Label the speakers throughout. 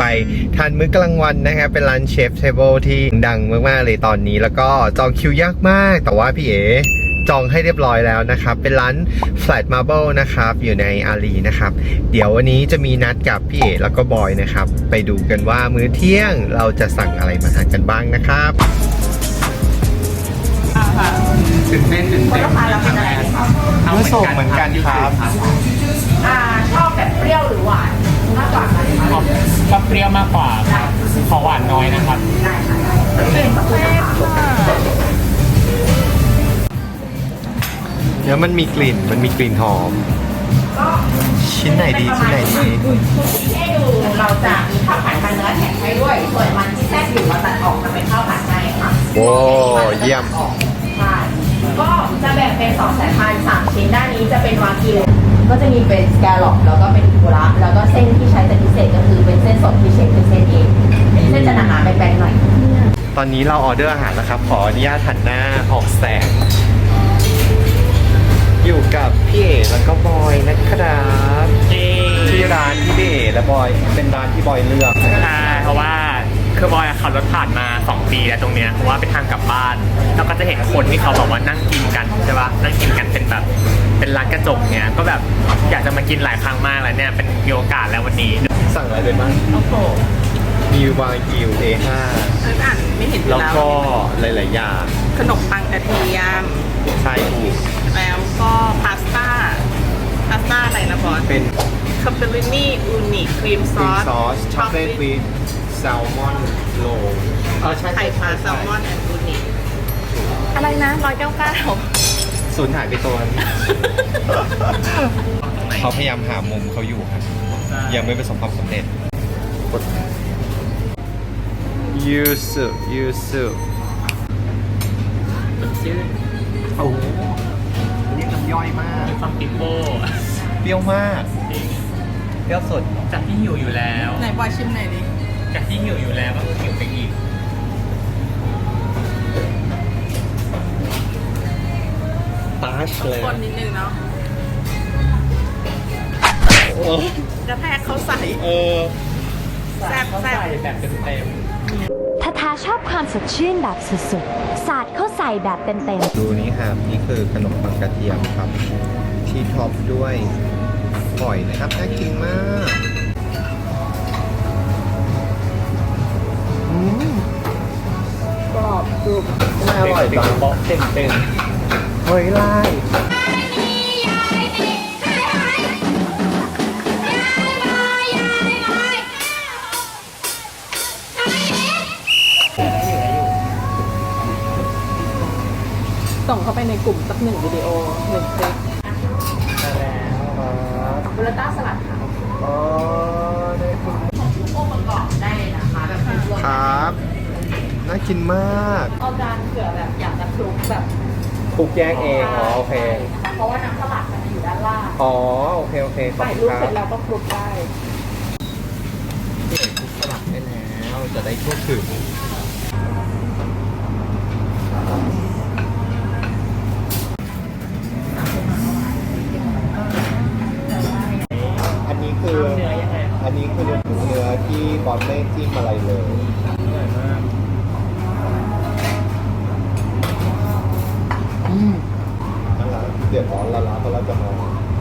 Speaker 1: ไปทานมื้อกลางวันนะครับเป็นร้านเชฟเทเบิลที่ดังมากๆเลยตอนนี้แล้วก็จองคิวยากมากแต่ว่าพี่เอ๋จองให้เรียบร้อยแล้วนะครับเป็นร้าน Flat Marble นะครับอยู่ในอารีนะครับเดี๋ยววันนี้จะมีนัดกับพี่เอ๋แล้วก็บอยนะครับไปดูกันว่ามื้อเที่ยงเราจะสั่งอะไรมาทานกันบ้างนะครับ
Speaker 2: ตื่นเต้น
Speaker 3: คนลูกค้าเราเป็นอะไรครับ
Speaker 1: เมื่อส่งเหมือนกันครับ
Speaker 3: ชอบแบบเปรี้ยวหรือหวานมากกว่ากันคะ
Speaker 2: ก็เปรี้ยวมากกว่าขอหวานน้อยนะครับ
Speaker 3: ได้ค่ะเป็นแซ่บค่ะ
Speaker 1: เดี๋ยวมันมีกลิ่นหอมชิ้นไหนดี
Speaker 3: ให้ดูเราจะมีข้าวผัดมันเนื้อแถมให้ด้วยส่วนมันที่แทรกอยู่เราตัดออกมาเป็นข้าวผัดให้ค่ะ
Speaker 1: โอ้เยี่ยม
Speaker 3: ใช่ก็จะแบ่งเป็น2สายพันธุ์3ชิ้นด้านนี้จะเป็นวากิวก็จะมีเป็นสแกลล็อปแล้วก็เป็นกุระแล้วก็เส้นที่ใช้เป็นพิเศษก็คือเป็นเส้นสดที่เชฟเป็นเส้นเองเส้นจะหนาๆแบนๆหน่อย
Speaker 1: ตอนนี้เราออเดอร์อาหารแล้วครับขออนุญาตหันหน้าออกแสงอยู่กับพี่เอ๋แล้วก็บอยนะครับที่ร้านที่พี่เอ๋และบอยเป็นร้านที่บอยเลือก
Speaker 2: ใช่เพราะว่าคือบอยขับรถผ่านมา2 ปีแล้วตรงเนี้ยเพราะว่าเป็นทางกลับบ้านแล้วก็จะเห็นคนที่เขาบอกว่านั่งกินกันใช่ปะนั่งกินกันเป็นแบบเป็นร้านกระจกเนี้ยก็แบบอยากจะมากินหลายครั้งมากแล้วเนี่ยเป็นมีโอกาสแล้ววันนี้
Speaker 1: สั่งอะไรไปบ้าง
Speaker 3: โอ้โห
Speaker 1: มีวากิว A5
Speaker 3: ไม่เห็น
Speaker 1: แล้วก็หลายๆอย่าง
Speaker 3: ขนมปังกระเทียม
Speaker 1: ใช่ถูก
Speaker 3: แล้วก็พาสต้าอะไรนะบอส
Speaker 1: เป็น
Speaker 3: คาเปรินี่อูนิครีมซอส
Speaker 1: ช็อกโกแลตวีทแซลมอนโรล
Speaker 3: ใช่ไข่ปลาแซลมอนแอนด์อูนิอะไรนะ199
Speaker 1: สูญหายไปตัวเขาพยายามหามุมเขาอยู่ครับยังไม่ประสบความสำเร็จยูสุโอ้โหนี่น้ำย่อยมาก
Speaker 2: มีความปิโป้
Speaker 1: เปรี้ยวมากเปรี้ยวสุด
Speaker 2: จากที่หิวอยู่แล้ว
Speaker 3: ไหนบอยชิมหน่อยดิ
Speaker 2: จากที่หิวอยู่แล้วก็หิวไปอีก
Speaker 1: ตาชเลย
Speaker 3: คนนิดนึงเนาะกระแทกเขาใส่แซ่บ
Speaker 2: แบบเต็ม
Speaker 4: ถ้าทาชอบความสดชื่นแบบสุดๆสาดเข้าใส่แบบเต็มๆ
Speaker 1: ดูนี่ครับนี่คือขนมปังกระเทียมครับที่ท็อปด้วยหอยนะครับน่ากินมากกรอบจุบไม่อร่อยจังบอกเต็มเฮ้ยไล่
Speaker 3: ส่งเข้าไปในกลุ่มสัก1 วิดีโอ1 คลิปบูราต้าสลัดค่ะ
Speaker 1: ได้คุณ
Speaker 3: องค์ประกอบได้เลยนะคะแบบ
Speaker 1: ครับน่ากินมาก
Speaker 3: เอาจานเผื่อแบบอยากจะคลุกแบบ
Speaker 1: คลุกแยกเองโอเค
Speaker 3: เพราะว่าน้ำสลัดมันจะอยู่ด้านล่าง
Speaker 1: โอเคขอบคุณครับ
Speaker 3: ใส่ลูกเสร็จแล้วก็คลุกได้
Speaker 1: คลุกสลัดได้แล้วจะได้ทั่วถึงอันนี้คือเนื้อที่บอสไม่จิ้มอะไรเลยอร่อยมากนั่นแหละเดือดร้อนละเพราะเราจะมา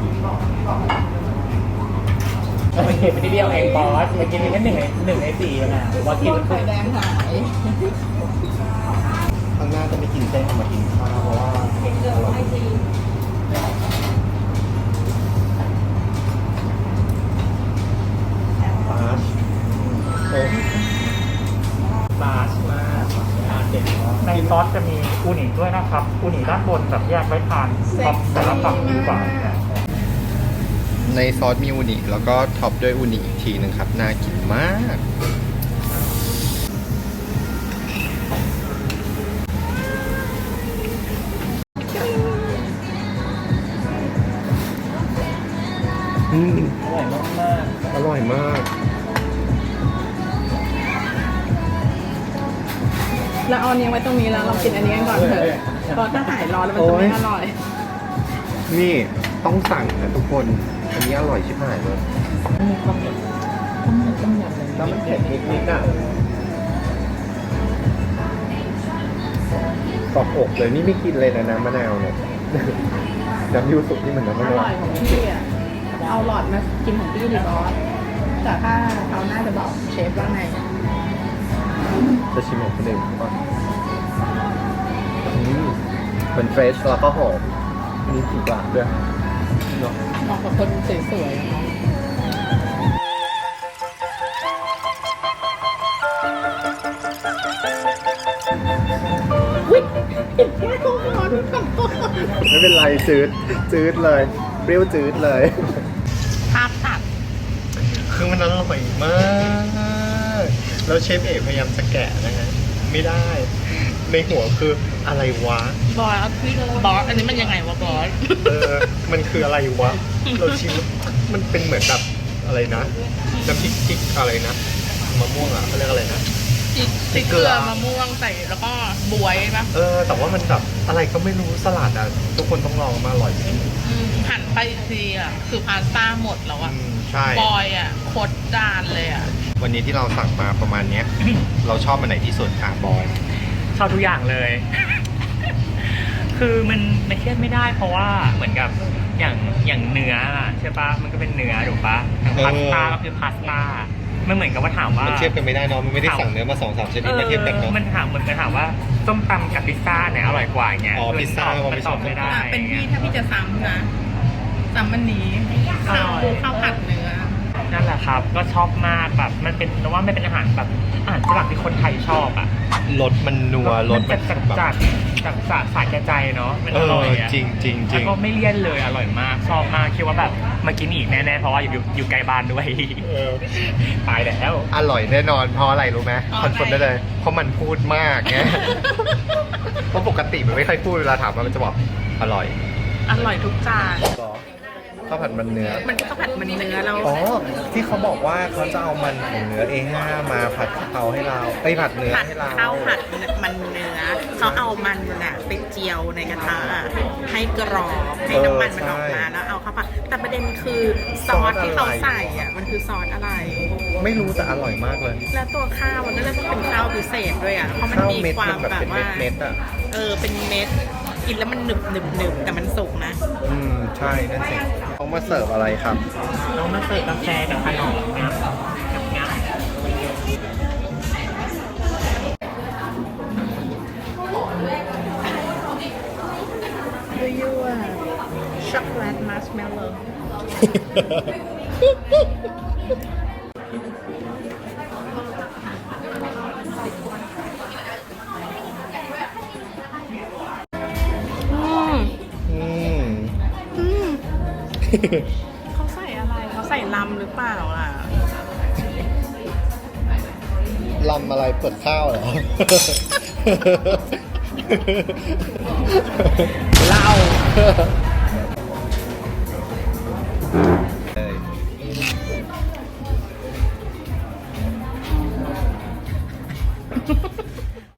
Speaker 2: เราไปเก็บไปที่เดียวเองบอสเมื่อกี้มีแค่1 ใน 4นะหรือว่ากิน
Speaker 3: ไข่แดงหาย
Speaker 1: ข้างหน้าจะไม่กินเส้นมากินข้าวเพราะว่าอร่อย
Speaker 2: บาชมากในซอสจะมีอูนิด้วยนะครับอูนิด้านบนแบบแยกไว้ทานท็อปแต่ละฝั่งดีกว่า
Speaker 1: ในซอสมีอูนิแล้วก็ท็อปด้วยอูนิอีกทีหนึ่งครับน่ากินมากอร่อยมาก
Speaker 3: แล้วเอาอันนี้ไว้ตรงนี้แล้วเรากินอันนี้กันก่อนเถอะเพราะถ้าหายร้อนแล้วมันจะไม่อร่อย
Speaker 1: นี่ต้องสั่งนะทุกคนอันนี้อร่อยชิบหายเลยแล้วมันเผ็ดนิดๆอ่ะกรอบอกเลยนี่ไม่กินเลยนะน้ำมะนาวเนี่ย น้ำยูสุนี่เหมือนน้ำ
Speaker 3: อ
Speaker 1: มะนาว
Speaker 3: ร่อยของพี่อ่ะ เอาหลอดมากินของพี่ดีบอสแต่ถ้าเขาน่าจะบอกเชฟว่าไง
Speaker 1: จะชิมของคนอื่นก่อนมันเฟรชแล้วก็หอมมีกลิ่นหวานด้วยเนาะ
Speaker 3: เหมาะกับคนสวยๆอะเนาะ
Speaker 1: ไม่เป็นไรจืดเลยเปรี้ยวจืดเลย
Speaker 3: ภาพตัด
Speaker 1: คือมันอร่อยมากแล้วเชฟเอกพยายามจะแกะนะฮะไม่ได้ ในหัวคืออะไรวะ
Speaker 3: บอสบอสอันนี้มันยังไงวะบอส
Speaker 1: มันคืออะไรวะ เราชิมมันเป็นเหมือนแบบอะไรนะน้ำพริกจิกอะไรนะมะม่วงอ่ะเขาเรียกอะไรนะ
Speaker 3: จิกเกลือมะม่วงใส่แล้วก็บวยปะ
Speaker 1: แต่ว่ามันแบบอะไรก็ไม่รู้สลัดอ่ะทุกคนต้องลองมาอร่อยจริง
Speaker 3: หันไปอีกทีอ่ะคือพาสต้าหมดแล้วอ่ะ
Speaker 1: ใช่
Speaker 3: บอยอ่ะโคตรจานเลยอ่ะ
Speaker 1: วันนี้ที่เราสั่งมาประมาณเนี้ย เราชอบมันไหนที่สุดอ่ะบอย
Speaker 2: ชอบทุกอย่างเลย คือมันเครียดไม่ได้เพราะว่าเหมือนกับอย่างเนื้ออะใช่ปะมันก็เป็นเนื้อถูกปะอย่างพาสต้าก็คือพาสต้ามันเหมือนกับว่าถามว่า
Speaker 1: มันเทียบกันไม่ได้เนอะมันไม่ได้สั่งเนื้อมา2-3ชนิดมาเทียบกันเนาะ
Speaker 2: มันเหมือนกันถามว่าส้มตำกับพิซซ่าเนี่ยอร่อยกว่าเงี้ย
Speaker 1: อ๋อพิซซ่า
Speaker 2: มันตอบไม่ได้
Speaker 3: เป็นพี่ถ้าพี่จะซ้ำนะซ้ำมันนี้ข้าวผัดเนื้อ
Speaker 2: นั่นแหละครับ ก็ชอบมากแบบมันเป็นแต่ว่ามันเป็นอาหารแบบอาหารฝรั่งที่คนไทยชอบอ่ะ
Speaker 1: รสมันนัวรส
Speaker 2: มั
Speaker 1: มัน น
Speaker 2: จัด
Speaker 1: แบบ
Speaker 2: จัดสาแก่ใจเนาะมันอร่อยอ่ะ
Speaker 1: จริงจริงจริ
Speaker 2: แล้ว
Speaker 1: ง
Speaker 2: ก็ไม่เลี่ยนเลยอร่อยมากชอบมากคิดว่าแบบมากินอีกแน่ๆเพราะว่าอยู่ใกล้บ้านด้วยตายแล้ว
Speaker 1: อร่อยแน่นอนเพราะอะไรรู้ไหม
Speaker 3: เพราะ
Speaker 1: คอนเฟิร์ม
Speaker 3: อะไร
Speaker 1: ได้เลย เพราะมันพูดมากไง เพราะปกติมันไม่ค่อยพูดเวลาถามมันจะบอกอร่อย
Speaker 3: อร่อยทุกจาน
Speaker 1: ข้าวผัดมันเนื้อ
Speaker 3: มันก็ข้าวผัดมันเนื้อแล้ว
Speaker 1: อ๋อ ที่เขาบอกว่าเขาจะเอามันของเนื้อ A5 มาผัดกะเพราให้เราไอ้ยผัดเนื้อ
Speaker 3: ผัด
Speaker 1: ให้เรา
Speaker 3: ข้าวผัดมันเนื้อเขาเอามันน่ะไปเจียวในกระทะอะให้กรอบให้น้ำมันมันออกมาแล้วเอาเข้าผัดแต่ประเด็นคือซอสที่เขาใส่อ่ะมันคือซอสอะไร
Speaker 1: ไม่รู้แต่อร่อยมากเลย
Speaker 3: แล้วตัวข้าวมันก็เลยต้องเป็นข้าวพิเศษด้วยอ่ะเพราะมัน
Speaker 1: ข้าว
Speaker 3: มี
Speaker 1: เม็ด
Speaker 3: ควา
Speaker 1: มั
Speaker 3: ม
Speaker 1: นแบบ
Speaker 3: แบบ
Speaker 1: เป็น
Speaker 3: ว่า
Speaker 1: เม็ดๆอ่ะ
Speaker 3: เป็นเม็ดกินแล้วมันหนึบแต่มันสุกนะ
Speaker 1: ใช่นั่นสิเขามาเสิร์ฟอะไรครับ
Speaker 2: เรามาเสิร์ฟกาแฟกับขนมนะกับงา
Speaker 3: Do you chocolate marshmallow
Speaker 1: อืม
Speaker 3: เขาใส่อะไรเขาใส่ลำหรือเปล่าอ่ะ
Speaker 1: ลำอะไรเปิดข้าวเหรอ
Speaker 2: เหล้า